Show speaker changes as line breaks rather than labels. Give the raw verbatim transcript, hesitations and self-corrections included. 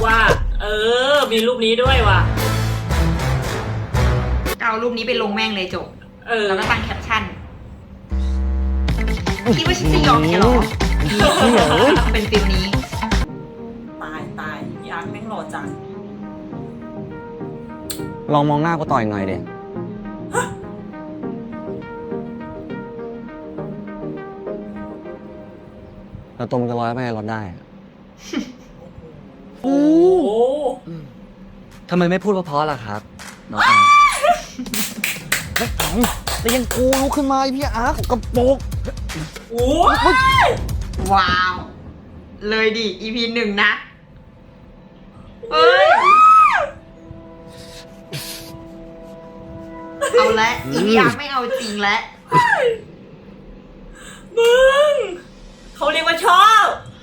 ว่า เออ มีรูปนี้ด้วยว่ะ
เอารูปนี้ไปลงแม่งเลยจบ
เออ
แล้วก็ตั้งแคปชั่นคิดว่าฉันจะยอมแกเหรอเป็นฟิลนี้
ตายตายพี่อาร์ตแม่งหล่อจัง
ลองมองหน้ากูต่ออีกหน่อยเด็เราตมจะร้อยไปรถได้อะ
โอ้โห
ทำไมไม่พูดเพราะๆล่ะครับ น้องอังไม่ฟังแต่ยังกูลุกขึ้นมาไอ้พี่อาร์ตกระโปง
โอ้ย
ว้าว เลยดิ อี พี หนึ่งนะเฮ้ย เอาละอี พี อาร์ไม่เอาจริงแล้ว
มึง เขาเรียกว่าชอบ